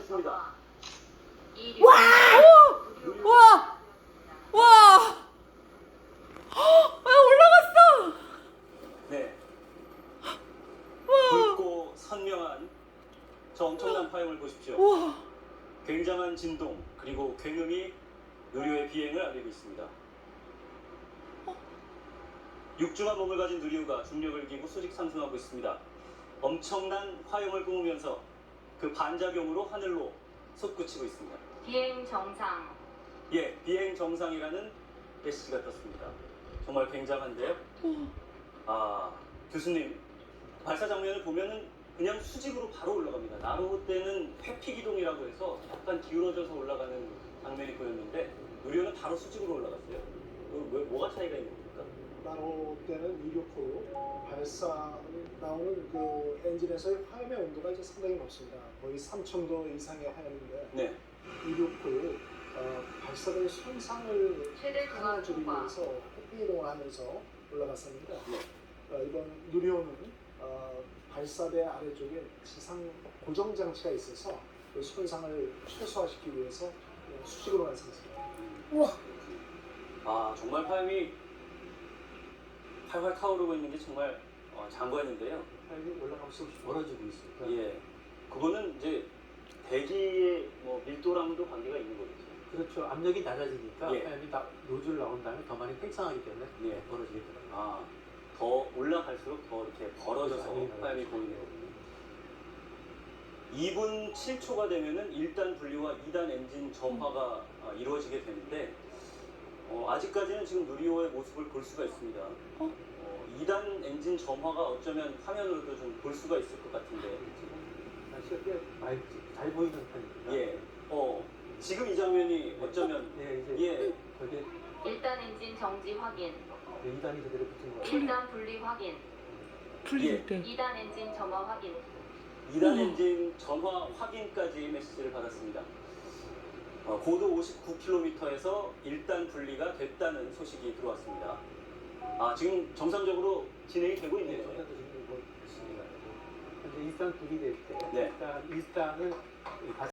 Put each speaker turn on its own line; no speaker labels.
좋습니다.
와! 와! 와! 올라갔어!
네.
와!
붉고 선명한 저 엄청난 파형을 보십시오.
와!
굉장한 진동 그리고 굉음이 누리호의 비행을 알리고 있습니다. 육중한 몸을 가진 누리호가 중력을 이기고 수직 상승하고 있습니다. 엄청난 화염을 뿜으면서 그 반작용으로 하늘로 솟구치고 있습니다.
비행 정상.
예, 비행 정상이라는 메시지가 떴습니다. 정말 굉장한데요. 아, 교수님, 발사 장면을 보면은 그냥 수직으로 바로 올라갑니다. 나로 때는 회피 기동이라고 해서 약간 기울어져서 올라가는 장면이 보였는데 누리호는 바로 수직으로 올라갔어요. 뭐가 차이가 있는 겁니까?
나로 때는 이륙후 발사 나오는 그 엔진에서의 화염의 온도가 이제 상당히 높습니다. 거의 3,000도 이상의 화염인데
네.
이륙 후 발사대의 손상을
최대 중앙
하나주기
통과.
위해서 회피 이동을 하면서 올라갔습니다.
네.
이번 누리호는 발사대 아래쪽에 지상 고정 장치가 있어서 그 손상을 최소화시키기 위해서 수직으로 완성했습니다.
우와!
아, 정말 화염이 활활 타오르고 있는 게 정말 장관인데요.
화염이 올라갈수록 멀어지고 있으니까.
예. 그거는 이제 대기의 밀도랑도 관계가 있는 거겠죠.
그렇죠. 압력이 낮아지니까
예.
화염이 노즐 나온 다음에 더 많이 팽창하기 때문에
예.
벌어지게 되더라고요.
아, 더 올라갈수록 더 이렇게 벌어져서
그렇죠.
화염이 보이는 거군요. 2분 7초가 되면은 1단 분리와 2단 엔진 점화가 이루어지게 되는데 아직까지는 지금 누리호의 모습을 볼 수가 있습니다. 2단 엔진 점화가 어쩌면 화면으로도 좀 볼 수가 있을 것 같은데.
날씨가 꽤 많이 잘 보이는 편입니다.
예. 지금 이 장면이 어쩌면
네, 이제
예.
거기에
1단 엔진 정지 확인.
2단이 제대로 붙은 거.
1단 분리 확인.
풀릴 때.
2단 엔진 점화 확인.
2단 엔진 점화 확인까지 메시지를 받았습니다. 고도 59km에서 1단 분리가 됐다는 소식이 들어왔습니다. 아, 지금 정상적으로 진행이 되고
네,
있네요.
저희도 지금 이거 있습니다. 현재 1단 분리될 때
네.
일단 1단을